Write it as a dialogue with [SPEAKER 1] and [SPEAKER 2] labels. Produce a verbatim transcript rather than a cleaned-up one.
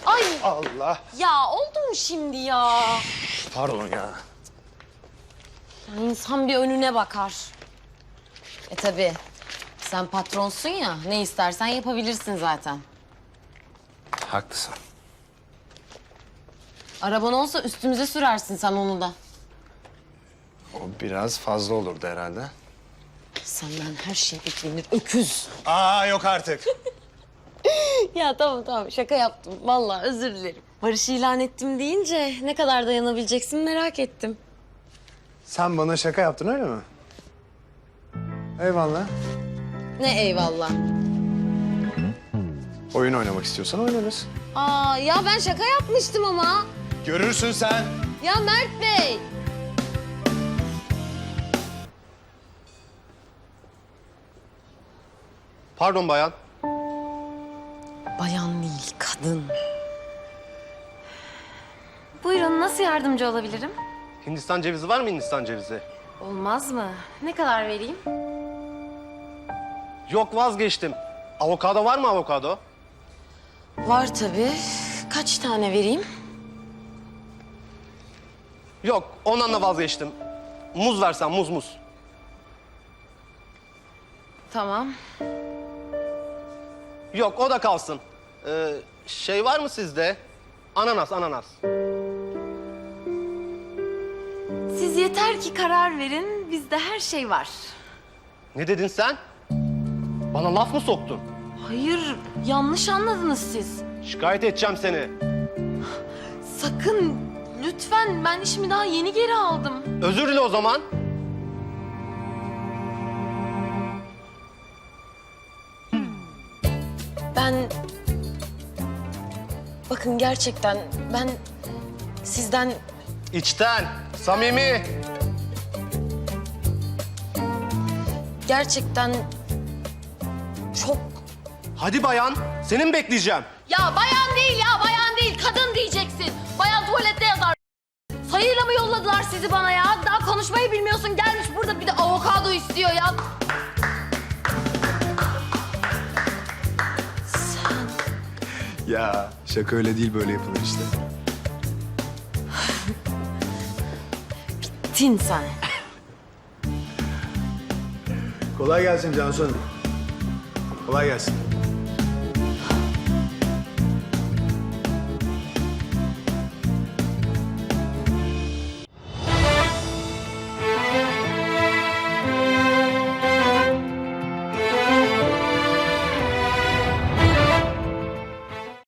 [SPEAKER 1] Ay
[SPEAKER 2] Allah.
[SPEAKER 1] ya oldu mu şimdi ya?
[SPEAKER 2] Pardon ya.
[SPEAKER 1] Ya İnsan bir önüne bakar. E tabii sen patronsun ya, ne istersen yapabilirsin zaten.
[SPEAKER 2] Haklısın.
[SPEAKER 1] Araban olsa üstümüze sürersin sen onu da.
[SPEAKER 2] O biraz fazla olurdu herhalde.
[SPEAKER 1] Senden her şey beklenir öküz.
[SPEAKER 2] Aa yok artık.
[SPEAKER 1] Ya tamam tamam şaka yaptım. Vallahi özür dilerim. Barış ilan ettim deyince ne kadar dayanabileceksin merak ettim.
[SPEAKER 2] Sen bana şaka yaptın öyle mi? Eyvallah.
[SPEAKER 1] Ne eyvallah.
[SPEAKER 2] Oyun oynamak istiyorsan oynarız.
[SPEAKER 1] Aa ya ben şaka yapmıştım ama.
[SPEAKER 2] Görürsün sen.
[SPEAKER 1] Ya Mert Bey.
[SPEAKER 3] Pardon bayan.
[SPEAKER 1] Bayan değil kadın. Buyurun nasıl yardımcı olabilirim?
[SPEAKER 3] Hindistan cevizi var mı Hindistan cevizi?
[SPEAKER 1] Olmaz mı? Ne kadar vereyim?
[SPEAKER 3] Yok vazgeçtim. Avokado var mı avokado?
[SPEAKER 1] Var tabii. Kaç tane vereyim?
[SPEAKER 3] Yok ondan da vazgeçtim. Muz versen muz muz.
[SPEAKER 1] Tamam.
[SPEAKER 3] Yok o da kalsın. Ee, şey var mı sizde? Ananas ananas.
[SPEAKER 1] Siz yeter ki karar verin. Bizde her şey var.
[SPEAKER 3] Ne dedin sen? Bana laf mı soktun?
[SPEAKER 1] Hayır, yanlış anladınız siz.
[SPEAKER 3] Şikayet edeceğim seni.
[SPEAKER 1] Sakın, lütfen. Ben işimi daha yeni geri aldım.
[SPEAKER 3] Özür dile o zaman.
[SPEAKER 1] Ben... Bakın gerçekten ben sizden...
[SPEAKER 3] İçten, samimi.
[SPEAKER 1] Gerçekten çok...
[SPEAKER 3] Hadi bayan, seni mi bekleyeceğim?
[SPEAKER 1] Ya bayan değil ya, bayan değil. Kadın diyeceksin. Bayan tuvalette yazar. Sayıyla mı yolladılar sizi bana ya? Daha konuşmayı bilmiyorsun. Gelmiş burada bir de avokado istiyor ya. Sen...
[SPEAKER 2] Ya şaka öyle değil, böyle yapılır işte.
[SPEAKER 1] Tin sen.
[SPEAKER 2] Kolay gelsin Cansu Hanım. Kolay gelsin.